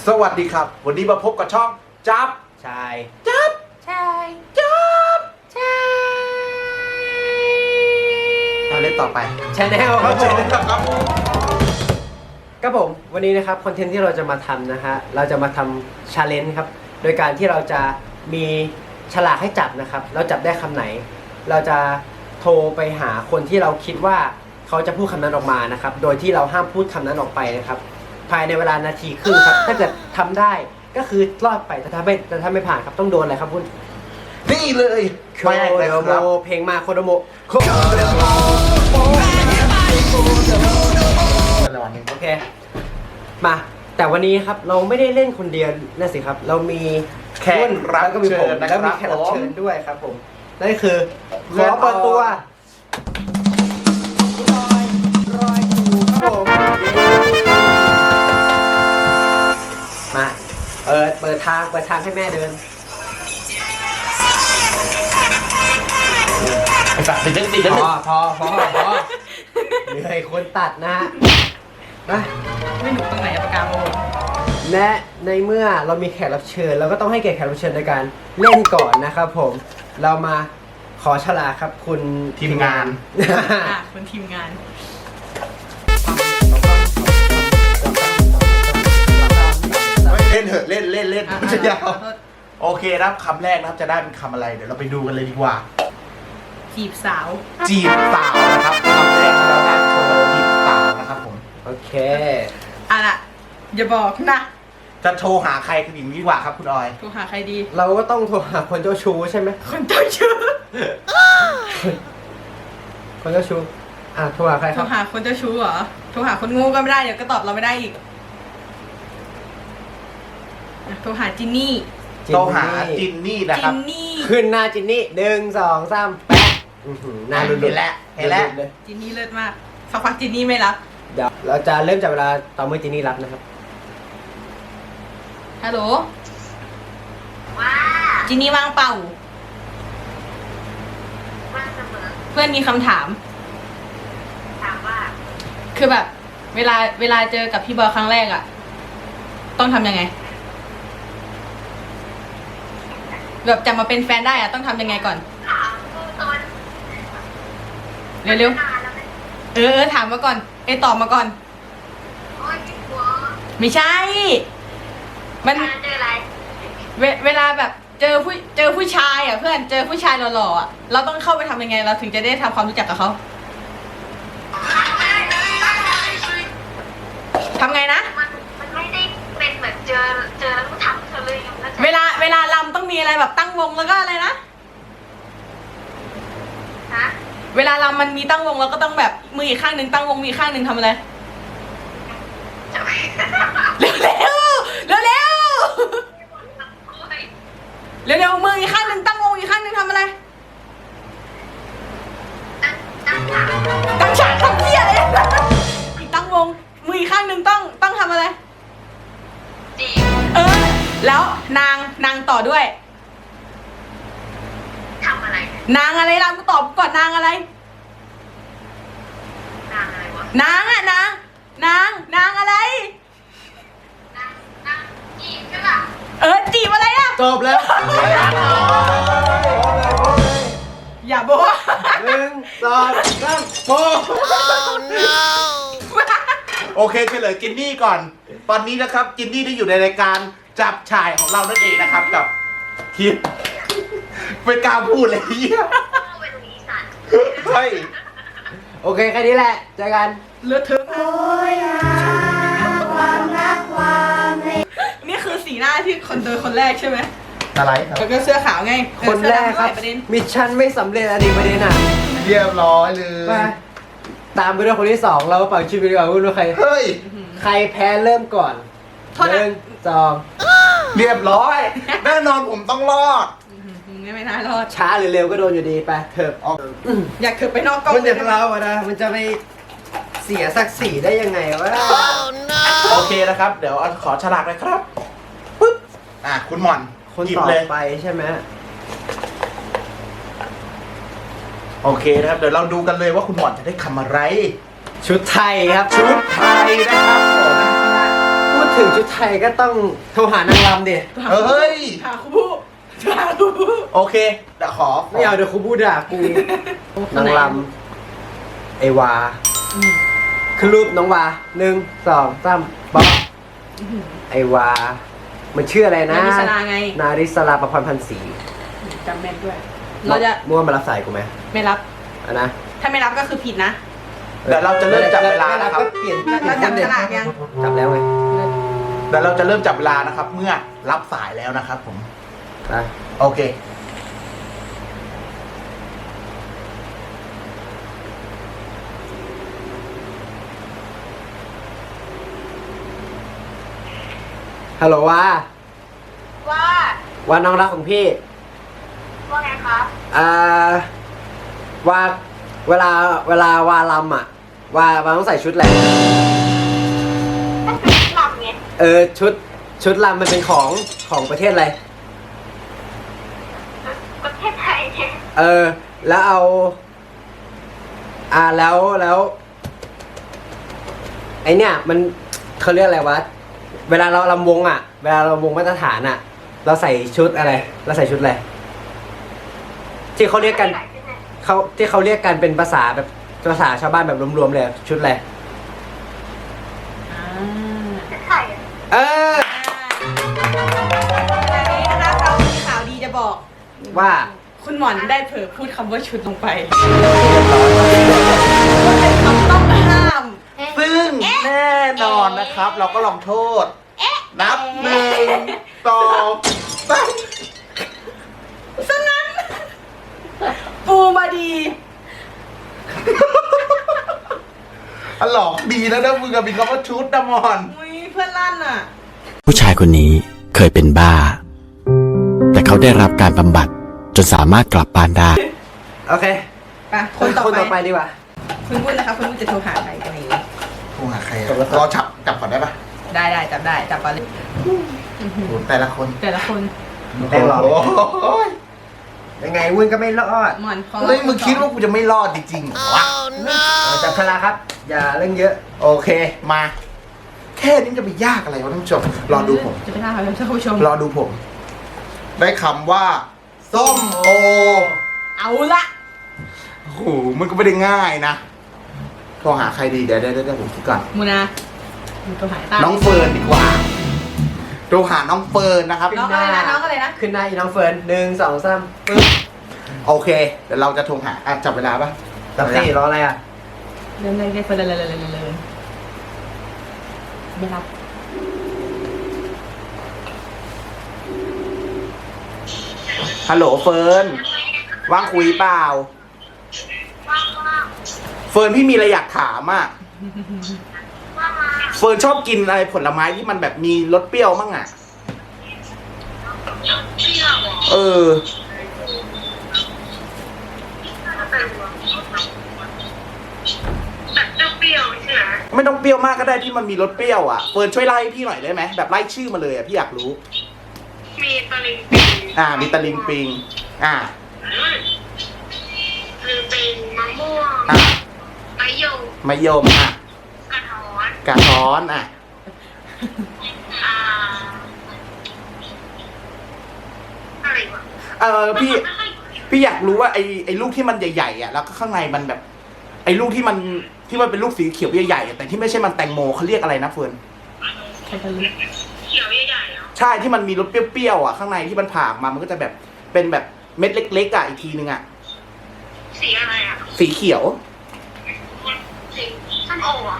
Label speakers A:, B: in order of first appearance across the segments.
A: สวัสดีครับวันนี้มาพบกับช่องจับ
B: ชาย
A: จับ
C: ใช่
A: จับ
C: ใช่
A: เล่นต่อไป
B: ชาแนลครับผ
A: เชิญ
B: ม
A: เลยครับ
B: ครับผมวันนี้นะครับคอนเทนต์ที่เราจะมาทำนะฮะเราจะมาทำชาเลนจ์ครับโดยการที่เราจะมีฉลากให้จับนะครับเราจับได้คำไหน เราจะโทรไปหาคนที่เราคิดว่าเขาจะพูดคำนั้นออกมานะครับโดยที่เราห้ามพูดคำนั้นออกไปนะครับภายในเวลานาทีครึ่งครับถ้าเกิดทำได้ก็คือรอดไปแต่ถ้าไม่ผ่านครับต้องโดนอะไรครับคุณ
A: นี่เลย
B: โค
A: แป้ง
B: โด
A: นะค
B: โม
A: รับ
B: เพลงมาโคโดโมโคโดโมโอเคมาแต่วันนี้ครับเราไม่ได้เล่นคนเดียวนะสิครับเรามี
A: แขกรับ
B: แล้วก็มี
A: เชิ
B: ผม
A: ญนะค
B: แล้วมี
A: รับ
B: แขกรับ
A: ผม
B: เชิญด้วยครับผมนั่นคือขอเปิดตัวรอยถูกครับผมมาเปิดทางให้แม่เดิน
A: ไอ้สัตว์ติดเล่นติด
B: พ
A: เล่น
B: อเหนื่อยคนตัดนะฮะไป
C: ไม่หนุกตรงไหนอะปากกาโม
B: และในเมื่อเรามีแขกรับเชิญเราก็ต้องให้แขกรับเชิญในการเล่นก่อนนะครับผมเรามาขอฉลากครับคุณ
A: ทีมงาน
C: อ่ะคนทีมงาน
A: เล่นเถอะเล่นเล่น
C: อ่ะ
A: มันจะยาว
C: ขอโทษ
A: โอเคนะครับคำแรกนะครับจะได้เป็นคำอะไรเดี๋ยวเราไปดูกันเลยดีกว่า
C: จีบสาว
A: จีบสาวนะครับคำแรกเราได้คำว่าจีบสาวนะครับผม
B: โอเค
C: อ่ะล่ะอย่าบอกนะ
A: จะโทรหาใครกันอย่างนี้ดีกว่าครับคุณออย
C: โทรหาใครดี
B: เราก็ต้องโทรหาคนเจ้าชู้ใช่ไหม
C: คนเจ้าชู้
B: คนเจ้าชู้โทรหาใครค
C: โทร
B: รับ
C: หาคนเจ้าชู้เหรอโทรหาคนโง่ก็ไม่ได้เดี๋ยวก็ตอบเราไม่ได้อีกอ่ะโทรหาจินนี่
A: โทรหาจินนี่นะค
C: จิ
A: รับ
C: นนี่
B: ขึ้นหน้าจินนี่1 2 3แปะหน้าลุ้น
A: เห็นแล้วเห็นแล้ว
B: เลย
C: จินนี่เลิศมากสักพักจินนี่ไม่รับ
B: เดี๋ยวเราจะเริ่มจากเวลาตอนเมื่อจินนี่รับนะครับ
C: ฮัลโหลจินนี่ว่างเปล่า
D: ว่างเสมอ
C: เพื่อนมีคำถาม
D: ถามว่า
C: คือแบบ เวลาเจอกับพี่บอยครั้งแรกอะต้องทำยังไง แบบจะมาเป็นแฟนได้อะต้องทำยังไงก่อน
D: ถามกูตอน
C: เร็วน
D: านแล้วไหม
C: ๆถามมาก่อนตอบมาก่อน
D: โอ้ยพี่หัว
C: ไม่ใช่ มัน
D: การเจออะไร
C: เวลาแบบเจอผู้ชายอะเพื่อนเจอผู้ชายหล่อๆอะเราต้องเข้าไปทำยังไง เราถึงจะได้ทำความรู้จักกับเขาทำไงนะ
D: มันไม่ได้เป็นเหมือนเจอแล้วก็ทำเธอเลยอยู่นะจ๊ะ
C: เวลาลำต้องมีอะไรแบบตั้งวงแล้วก็อะไรนะ
D: ฮะ
C: เวลาลำมันมีตั้งวงแล้วก็ต้องแบบมืออีกข้างหนึ่งตั้งวงมืออีกข้างหนึ่งทำอะไร
D: จะไป
C: เร็วเร็วเร็วเร็ว
D: คุย
C: เร็วเร็วมืออีกข้างหนึ่งตั้งวงอีกข้างหนึ่งทำอะไร
D: ตั้งถาม
C: ตั้งฉากทำเพี้ยเลยอีกตั้งวงมืออีกข้างหนึ่งต้องทำอะไร
D: จีบ
C: แล้วนางต่อด้วย
D: ทำอะไร
C: นางอะไรล่ะกูตอบก่อนนางอะไร
D: นางอะไรวะ
C: นางอะนางอะไร
D: นางจีบใช่ป่ะ
C: จีบอะไรอะ
B: จบแล้ว
C: อย่าบอกว่า
B: 1 2 3โป
A: โอเคเฉลยจินนี่ก่อน ตอนนี้นะครับจินนี่ได้อยู่ในรายการจับชายของเรานั่นเองนะครับกับทีมเป็นการพูดเลยเหี้ย
D: เข้าไปตรงนี้สัตว์
A: เฮ้ย
B: โอเคแค่นี้แหละเจอกัน
C: เลือดเธอนี่คือสีหน้าที่คนเจอคนแรกใช่ไหม
A: อะไรครับ
C: แล้วก็เสื้อขาวไง
B: คนแรกครับ
C: เสื้อดำด้วยประเด็น
B: มิชชั่นไม่สำเร็จอันนี้ประเด็นอ่ะ
A: เรียบร้อยเล
B: ไป
A: ย
B: ตามไปด้วยคนที่สองเราเป่าชีวิตดีกว่าว่าใคร
A: เฮ้ย
B: ใครแพ้เริ่มก่อน
C: โทษนะ
B: 1 2
A: เรียบร้อย แน่นอนผมต้องรอด
C: ไม่น่ารอด
B: ช้าหรือเร็วก็โดนอยู่ดีไปเถอะ
C: อยากเธอไปนอกกล้อง
B: คนอย่างเราอะนะมันจะไปเสียศักดิ์ศรีได้ยังไงวะ
A: โอเคนะครับ เดี๋ยวขอฉลากเลยครับปึ๊บคุณหม่อน
B: คน
A: หยิบ
B: ต่อ
A: เลย
B: ไปใช่ไหม
A: โอเคนะครับ เดี๋ยวเราดูกันเลยว่าคุณหม่อนจะได้คำอะไร
B: ชุดไทยครับ
A: ชุดไทยนะครับผม
B: พูดถึงชุดไทยก็ต้องโทรหานางรำดิ
A: เฮ้ย
C: หาครูผู้หาครูผู้
A: โอเคเดี๋ยวขอ
B: ไม่เอาเดี๋ยวครูพูดด่ากูนางรำไอวาคือรูปน้องวา1 2 3บ๊อบไอวามันชื่ออะไรนะ
C: นาริสลาไง
B: นาริสลาประพรพันธ์ศรี
C: จำแม่นด้วย เราจะ
B: มั่วมารับสายกูไหม
C: ไม่รับ
B: อ่ะนะ
C: ถ้าไม่รับก็คือผิดนะ
A: เดี๋ยวเราจะเริ่มจับเวลา
B: ไม่
A: นะครับ
B: ก็เปลี่ยน
C: เราจับฉลากยัง
B: จับแล้วไง
A: เดี๋ยวเราจะเริ่มจับเวลานะครับ เมื่อรับสายแล้วนะครับผม
B: ไป
A: โอเค
B: ฮัลโหลวา
D: ว่า
B: ว่าน้องรักของพี่
D: ว่าไงคะ
B: ว่าเวลาวาลำอ่ะวาต้องใส่ชุดอะไร
D: ต้องเป็นลำไง
B: ชุดลำมันเป็นของประเทศอะไร
D: ประเทศไทยเนี่ย
B: แล้วเอาแล้วไอเนี่ยมันเขาเรียกอะไรวะเวลาเราลำวงอ่ะเวลาเราวงมาตรฐานอ่ะ เราใส่ชุดอะไรเราใส่ชุดอะไรที่เขาเรียกกันที่เขาเรียกกันเป็นภาษาแบบภาษาชาวบ้านแบบรวมๆเลยชุดอะไร
D: ไทย
B: เออ
C: วันนี้นะคะเรามีข่าวดีจะบอก
B: ว่า
C: คุณหมอนได้เผลอพูดคำว่าชุดลงไปมันเป็นคำต้องห้าม
A: ซึ่งแน่นอนนะครับ เราก็ลองโทษ นับ1 2 3
C: ซะงั้น ปูมาดี
A: อะหลอกดีแล้วนะมึงกับมีคำว่าชุดนะมอน
C: อุ้ยเพื่อนลั่นอ่ะ
E: ผู้ชายคนนี้เคยเป็นบ้า แต่เขาได้รับการบำบัดจนสามารถกลับบ้านได้
B: โอเค
C: ไปคนต่อ
B: ต่อ
C: ไป
B: ไปดีกว่า
C: คุณพูดนะคะคุณพูดจะโทรหาใครกันนี้
A: โทรหาใครอะรอจับก่อนได้ปะ
C: ได้จับได้จับไปเลย
A: โหแต่ละคน
C: แต่ละคน
B: แต่หรอ
A: โอ้ย
B: ยังไงวุ้นก็ไม่รอด
C: หมอนของ
A: เฮ้ยมึงคิดว่ากูจะไม่รอดจริงๆเหรอวะ
B: จับฉลากครับ อย่าเรื่องเยอะ
A: โอเคมา แค่นี้จะไปยากอะไรวะท่านผู้ชมรอดูผม
C: จะไปท่าครับท่านผู้ชม
A: รอดูผม ได้คำว่า ส้มโอ
C: เอาละ
A: โอ้โหมันก็ไม่ได้ง่ายนะโทรหาใครดีเดี๋ยวผมคิดก่อน
C: มูนาโทรหาตา
A: น้องเฟิร์นดีกว่าโทรหาน้องเฟิร์นนะครับ
C: น้องอะไรนะน้องอะไรนะ
B: ขึ้นหน้าอีน้องเฟิร์น1 2 3ปึ๊บ
A: โอเคเดี๋ยวเราจะโทรหาจับเวลาปะ
B: จับสี่รออะไรอ่ะ
C: เริ่มเลยเฟิร์นเลยไม่รับ
A: ฮัลโหลเฟิร์นว่างคุยเปล่า
D: ว่า
A: เฟิร์นพี่มีอะไรอยากถามอ่ะ
D: ว่ามา
A: เฟิร์นชอบกินอะไรผลไม้ที่มันแบบมีรสเปรี้ยวมั่งอ่ะ
D: เที่ยว
A: เออ
D: แบบเปรี้ยวใช่ไหม
A: ไม่ต้องเปรี้ยวมากก็ได้ที่มันมีรสเปรี้ยวอ่ะเฟิร์นช่วยไล่พี่หน่อยได้ไหมแบบไล่ชื่อมาเลยอ่ะพี่อยากรู้
D: มีตะลิงปิง
A: มีตะลิงปิง
D: คือเป็นมะม่วง
A: อ่ะ
D: มะยม
A: มะยม
D: กระท้อน
A: กระท้อน
D: อ่าอะไรวะ
A: พี่อยากรู้ว่าไอ้ลูกที่มันใหญ่ๆอ่ะแล้วก็ข้างในมันแบบ ไอ้ลูกที่มันเป็นลูกสีเขียวใหญ่ๆอะแต่ที่ไม่ใช่มันแตงโมเขาเรียกอะไรนะเฟิร์น
C: ใครจะรู้
D: เขียวใหญ่ๆเหรอ
A: ใช่ที่มันมีรสเปรี้ยวๆอ่ะข้างในที่มันผ่าออกมามันก็จะแบบเป็นแบบเม็ดเล็กๆอ่ะอีกทีนึงอ่ะ
D: สีอะไรอ่ะ
A: สีเขียว
D: สีส้มโออ่ะ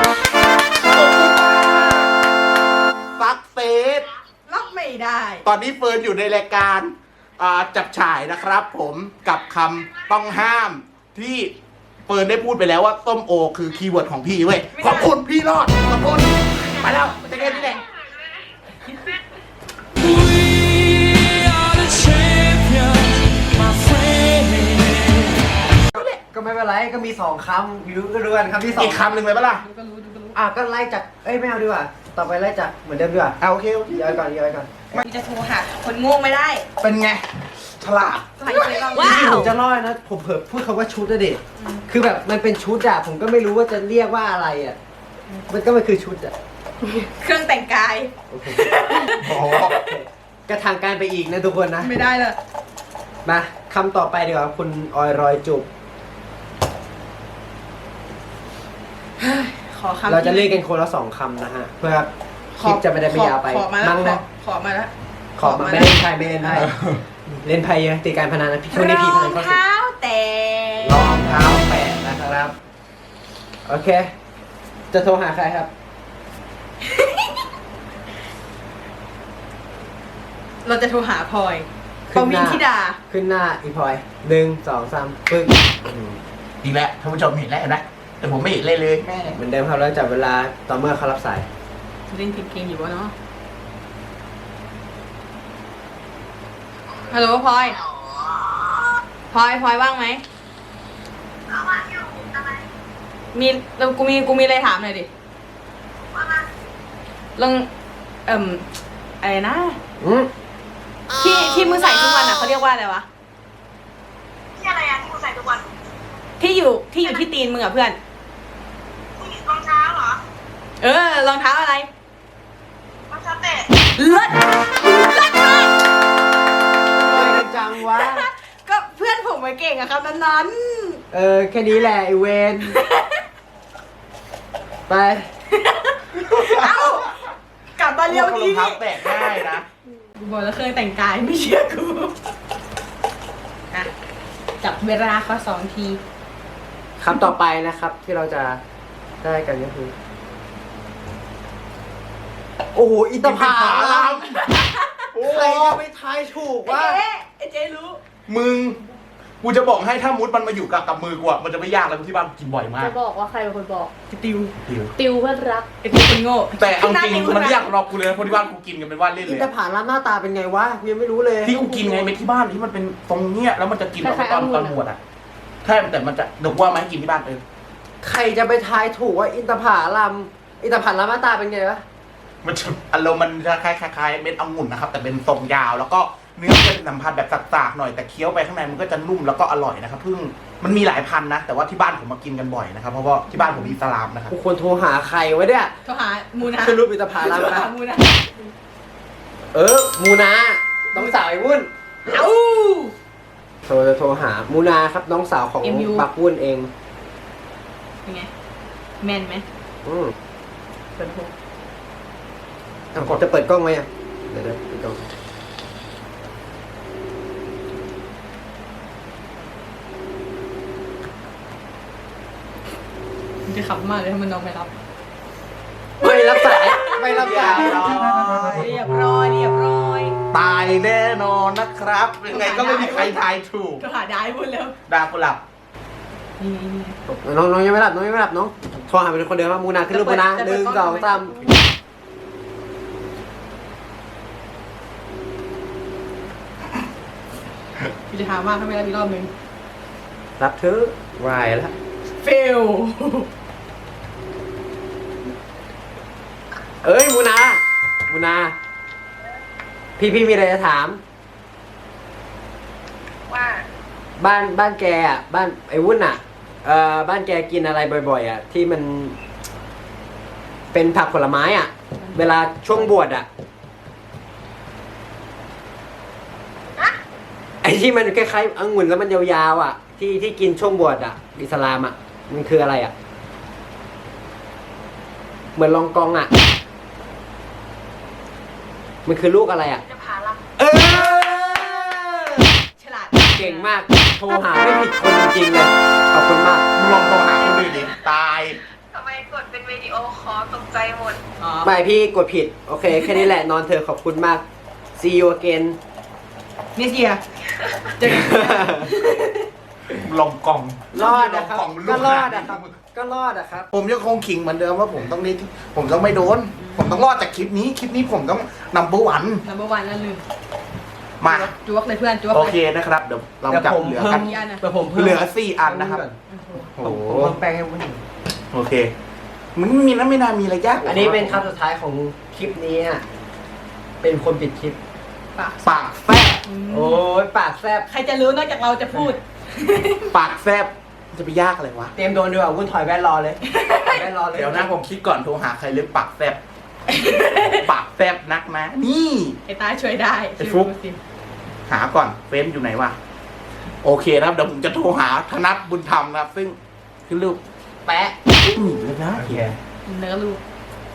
A: ซักเซส
C: รับไม่ได้
A: ตอนนี้เฟิร์นอยู่ในรายการจับฉ่ายนะครับผมกับคำต้องห้ามที่เฟิร์นได้พูดไปแล้วว่าส้มโอคือคีย์เวิร์ดของพี่เว้ยขอบคุณพี่รอดขอบคุณไปแล้วจะเล่นนี่แหละ
B: ก็ไม่เป็นไรก็มี2 คำอยู่ก็รู้กันคำที่2
A: อีกคำหนึ่งเลยปะล่ะ
C: ดูก็รู้
B: ก็ไล่จากไม่เอาดีกว่าต่อไปไล่จากเหมือนเดิมดีกว่า
A: โอเค
B: ย้อยก่อน
C: พี่จะโทรหาคนโง่ไม่ได้
A: เป็นไงฉลาด
C: ใครจะลอง
B: จริงๆผมจะรอดนะผมเผลอพูดคำว่าชุดอะเด็กคือแบบมันเป็นชุดอะผมก็ไม่รู้ว่าจะเรียกว่าอะไรอะมันคือชุดอะ
C: เครื่องแต่งกาย
A: โอ้โห
B: กระทางการไปอีกนะทุกคนนะ
C: ไม่ได้เลย
B: มาคำต่อไปดีกว่าคุณออยรอยจุบ
C: ขอคำ
B: เราจะเล่นกันคนละ2คำนะฮะ เพื่อคลิปจะไม่ได้ไม่ยาวไป
C: ขอมาแล้ว
B: มั้งนะ
C: ขอมาแล้ว
B: ขอมาไม่เล่นไพ่ไม่เล่นไพ่เล่นไพ่เยอะตีการพนันนะพี่ช่วงนี้พี่พนันเข้าสิ
C: เท้าแต่
B: รองเท้าแปะนะครับ โอเค จะโทรหาใครครับ
C: เราจะโทรหาพลอยป
B: ขึ้นห
C: วิน
B: น้า
C: ธิดา
B: ขึ้นหน้าอีพลอย1 2 3ปึ๊ก
A: อีกแล้วท่านผู้ชมเห็นแล้วนะแต่ผมไม่เห็นเลยเลยแม่
B: เหมือนเดิมครับแล้วจับเวลาต่อเมื่อเขารับสาย
C: เล่นเพลงอยู่วะเนาะฮัลโหลพลอยพลอยว่างไหม
D: ก็ว่าอยู่ทำไม
C: มีเรากูมีอะไรถามหน่อยดิ
D: ว่ามา
C: ลองอะไรนะ
B: อืม
C: ที่มือใส่ทุกวันอ่ะเขาเรียกว่าอะไรวะ
D: ที่อะไรอะที่กูใส่ทุกวัน
C: ที่อยู่ที่ตีนมึงอ่ะเพื่อน
D: ผู้หญิงรองเท้าเหรอ
C: รองเท้าอะไร
D: รองเท้าเตะ
C: เลิศเลิศมาก
B: ไปกันจังวะ
C: ก็เพื่อนผมมาเก่งอะครับนั้น
B: แค่นี้แหละไอเวน ไป
C: ๆเอ้ากลับมาเร็ว
A: รอ
C: นี้
A: งเท้าแตกง่ายนะ
C: กูบอกแล้วเครื่องแต่งกายไม่เชื่อกูอะจับเวลาเขา2 ที
B: คำต่อไปนะครับ ที่เราจะได้กันก็คือ โอ้โหอินทผลัม
A: โอ้
B: ใครจะไปทายถูกว่า
C: ไอ้เจ๊รู้
A: มึง กูจะบอกให้ถ้ามุดมันมาอยู่กับมือกูอะมันจะไม่ยากแล้วที่บ้านกูกินบ่อยมาก
F: จะบอกว่าใครเป็นคนบอก
C: ติว
F: ติวเพื่อนรัก
C: ไอ้ติวคนโง่
A: แต่เอาจริง
C: ติว
A: มันไม่ยากสำหรับกูเลยนะเพราะที่บ้านกูกินกันเป็นว่าเล่น
B: อิ
A: เล
B: น
A: ย
B: ทผลัมหน้าตาเป็นไงวะกูยังไม่รู้เลย
A: ที่กูกินไงไม่ที่บ้านที่มันเป็นตรงเนี้ยแล้วมันจะกิน
F: คล้ายๆ
A: ตอน
F: องุ่นอะ
A: บวชอะใช่แต่มันจะเดี๋ยวกูว่ามาให้กินที่บ้าน
B: ใครจะไปทายถูกว่าอินทผลัมหน้าตาเป็นไงวะ
A: มันจะอารมณ์มันจะคล้ายๆเม็ดองุ่นนะครับแต่เป็นทรงยาวแล้วก็เนื้อมันจะสัมผัสแบบสากๆหน่อยแต่เคี้ยวไปข้างในมันก็จะนุ่มแล้วก็อร่อยนะครับเพิ่งมันมีหลายพันนะแต่ว่าที่บ้านผมมากินกันบ่อยนะครับเพราะว่าที่บ้านผมอิสลามนะครับ
B: กูควรโทรหาใครวะเนี่ย
C: โทรหามูนา
B: คือรูปอินทผลัม
C: โทร
B: นะ
C: หามูนา
B: มูนาน้องสาวไอ้วุ้น
C: เอ้า
B: โทรหามูนาครับน้องสาวของ
C: MU
B: บักวุ้นเอง
C: เป็นไงแม่นไหม
B: อืม
C: เปิดหู
B: จะเปิดกล้องไหมอ่ะเดี๋ยวเปิดกล้อง
C: มันจะขำมากเลยถ้ามันน้องไม่รับ
B: ไม่รับสายไม่รับสาย
C: เรียบร้อยเรียบร้อย
A: ตายแน่นอนนะครับยังไงก็ไม่มีใครทายถูก
C: โทรหาได้พูดแล้ว
A: ดากุหลับ
C: นี่
B: น้องยังไม่รับน้องน้องโทรหาเป็นคนเดียวว่ามูนาขึ้นรูปมูนา1 2 3
C: กูจะถามว่าถ้าไม่รับอีกรอบนึง
B: รับเธอวายแล้ว
C: เฟล
B: เอ้ยมูนาพี่มีอะไรจะถาม
D: ว่า
B: บ้านแกอ่ะบ้านไอ้วุ้นอ่ะบ้านแกกินอะไรบ่อยๆอ่ะที่มัน เป็นผักผลไม้อ่ะ เวลาช่วงบวชอ่ะ ไอ้ที่มันคล้ายๆองุ่นแล้วมันยาวๆอ่ะ ที่กินช่วงบวชอ่ะอิสลามอ่ะมันคืออะไรอ่ะ เหมือนลองกองอ่ะ มันคือลูกอะไรอ่ะ
D: จะพาลับ
B: เออ
C: ฉลาด
B: เก่งมาก โทรหาไม่ผิดคนจริงๆเลย ขอบคุณมาก
A: มึงลองโทรหาคนอื่นดิตาย
D: ทำไมกดเป็นวิดีโอคอลตกใจหมด
C: อ๋อ
B: ไม่พี่กดผิด โอเค แค่นี้แหละ นอนเธอะขอบคุณมาก see you again
C: นี่เสียเจอกัน
A: ลองกล่อง
B: รอดนะครับ
A: ลองกล่
B: ก็
A: อง
B: ร
A: ลู
B: อด
A: ขนา
B: นะครับ
A: มึง
B: ก็รอดนะครับ
A: ผมยังคงขิงเหมือนเดิมว่าผมต้องนี่ผมต้องไม่โดน ผมต้องรอดจากคลิปนี้ผมต้องนัมเบอร์วัน
C: นัมเบอร์วันแล้วลืม
A: มา
C: จวกเลยเพื่อนจวก
A: โอ
C: เลย
A: เคนะครับ เดี๋ยวเราจับเหลือกัน
C: กี่อันอะ
B: เดี๋ยวผมเพิ่ม
A: เหลือ4 อันนะครับ
B: โอ้
A: โอ้
B: โห
A: โห
B: ผมเพิ่มแป้งให้วุ้นอีก
A: โอเค มันไม่น่ามีอะไรยาก
B: อันนี้เป็นคำสุดท้ายของคลิปนี้ฮะเป็นคนปิดคลิป
C: ปาก
A: ปากแซ่บ
B: โอ้ยปากแซบ
C: ใครจะรู้นอกจากเราจะพูด
A: ปากแซ่บจะไปยากอะไรวะ
B: เตรียมโดนดีกว่าวุ้นถอยแว่นรอเลยถอยแว่นรอเลย
A: เดี๋ยวนะผมคิดก่อนโทรหาใครเรื่องปากแซ่บปากแซบนักนะ นี่
C: ไอ้ตาช่วยได้
A: ไอ้ฟุ๊ก
C: ชื่อ
A: หาก่อนเฟซอยู่ไหนวะโอเคนะครับเดี๋ยวผมจะโทรหาธนัทบุญธรรมนะครับ ซึ่งคือลูกแปะหนีเลยนะ
B: โอเค
C: เนื้อลูก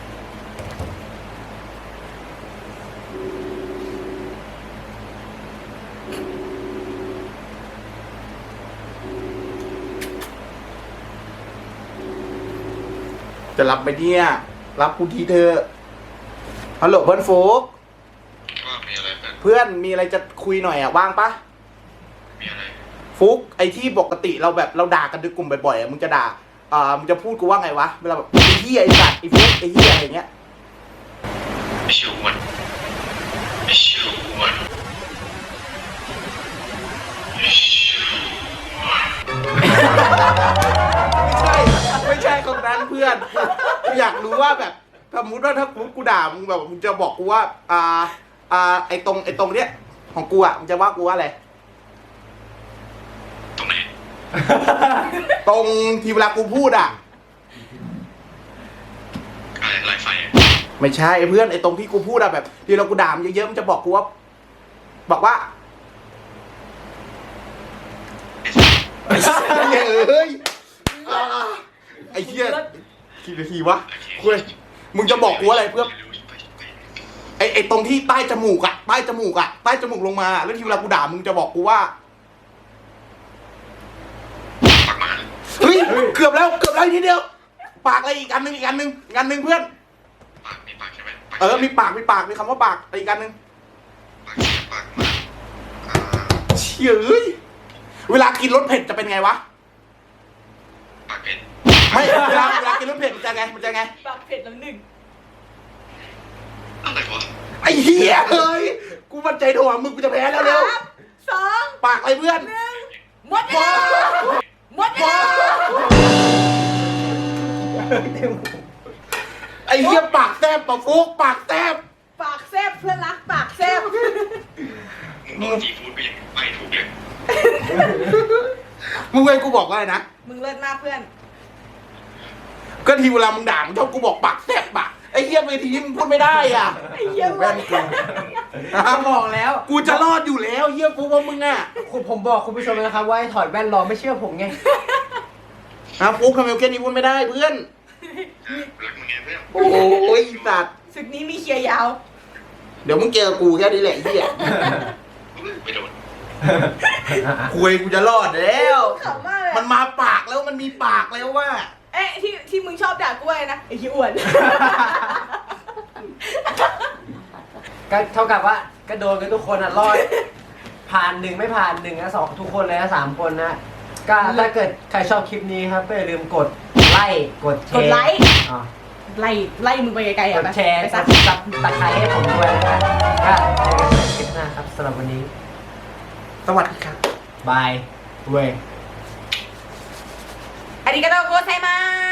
A: จะรับไปเนี่ยรับกูทีเธอะฮัลโหลเพื่อนโฟก
G: ว่ามีอะไรเพื่อน
A: เพื่อนมีอะไรจะคุยหน่อยอ่ะว่างปะ
G: มีอะไร
A: ฟุกไอที่ปกติเราแบบเราด่ากันในกลุ่มบ่อยๆอ่ะมึงจะด่ามึงจะพูดกูว่าไงวะเวลาแบบไอ้เหี้ยไอ้สัตว์ไอ้ฟุกไอ้เหี้ยอะไรเงี้ย
G: ไอชิวมันไอชิวมันไอชิวมัน
A: ไม่ใช่ของนั้นเพื่อนกูอยากรู้ว่าแบบสมมติว่าถ้ากูด่ามึงแบบมึงจะบอกกูว่าไอตรงเนี้ยของกูอ่ะมึงจะว่ากูว่าอะไร
G: ตรงไหน
A: ตรงที่เวลากูพูดอ่ะ
G: อะไรไลฟ์ไฟอะ
A: ไม่ใช่เพื่อนไอตรงที่กูพูดอะแบบที่เรากูด่ามันเยอะๆมันจะบอกกูว่าบอกว่า
G: ไอ้สัส
A: ไอ้เหี้ยเอ้ยไอ้เหี้ยกี่นาทีวะคุยมึงจะบอกกูอะไรเพื่อน ไอตรงที่ใต้จมูกอะใต้จมูกอะใต้จมูกลงมาแล้วทีเวลากูด่ามึงจะบอกกูว่า
G: ปากหมา
A: เฮ้ยเกือบแล้วอีกนิดเดียวปากอะไรอีกอันหนึงเพื่อน
G: ปากมีปากใช่ไหม
A: มีปากมีคำว่าปากอะไรอีกอันหนึง
G: ปากเสียปากหมาอ่า
A: เชี่ยเอ้ยเวลากินรสเผ็ดจะเป็นไงวะ
G: ปากเป็น
A: ไม่เวลากินรสเผ็ดมันจะไง
C: ปากเผ็ดแล้วหนึ่ง
G: อะไรวะ
A: ไอ้เหี้ยเอ้ยกูมั่นใจโถมึงกูจะแพ้แล้วเร็ว
C: สอง
A: ปากอะไรเพื่อน
C: หมดเวลาหมดเวลา
A: ไอ้เหี้ยปากแซบปะฟุกปากแซบ
C: ปากแซบเพื่อนรักปากแซบ
G: มึงบอกซีฟู้ดไปยังไม่ถูกเลย
A: มึงเว้ยกูบอกว่าอะไรนะ
C: มึงเลิศมากเพื่อน
A: ก็ทีเวลามึงด่ามึงชอบกูบอกปากแซบปะไอ้เหี้ยเวทีนี้มึงพูดไม่ได้อ่ะ
C: ไอ้เหี้ย
A: แว่นกู
B: ก็บอกแล้ว
A: กูจะรอดอยู่แล้วเหี้ยฟุกว่ามึงอ่ะ
B: ผมบอกคุณผู้ชมนะครับว่าให้ถอดแว่นรอไม่เชื่อผมไง
A: ฟุกทำไมแค่นี้พูดไม่ได้เพื่อน
G: รักมึงไงเพื่อน
A: โอ้ยสัตว์
C: ศึกนี้มีเคลียร์ยาว
A: เดี๋ยวมึงเจอกูแค่นี้แหละไอ้เหี้ย
G: ไม่โดน
A: คุยกูจะรอดแล้ว
C: ขำมากเลย
A: มันมาปากแล้วมันมีปากแล้วว่า
C: เอ๊ะที่มึงชอบด่ากูไว้นะไอ้ขี้อ้วน
B: ก็เท่ากับว่าก็โดนกันทุกคนอ่ะรอด ผ่านหนึ่งไม่ผ่านหนึ่งนะสองทุกคนเลยนะ3 คนนะก็ถ้าเกิดใครชอบคลิปนี้ครับก็อย่าลืมกดไลค์กดแชร์
C: กดไลค์
B: อ๋อ
C: ไล่มึงไปไกลๆ
B: ก
C: อ่ะ
B: ด
C: ไป
B: แชร์
C: ไป
B: ก
C: ซะ
B: ดซับตะไคร้ให้ผมด้วยนะก็เจอกันใหม่คลิปหน้าครับสำหรับวันนี้
A: สวัสดีครับ
B: บายเว้ย
C: อาริกาโตโกไซมา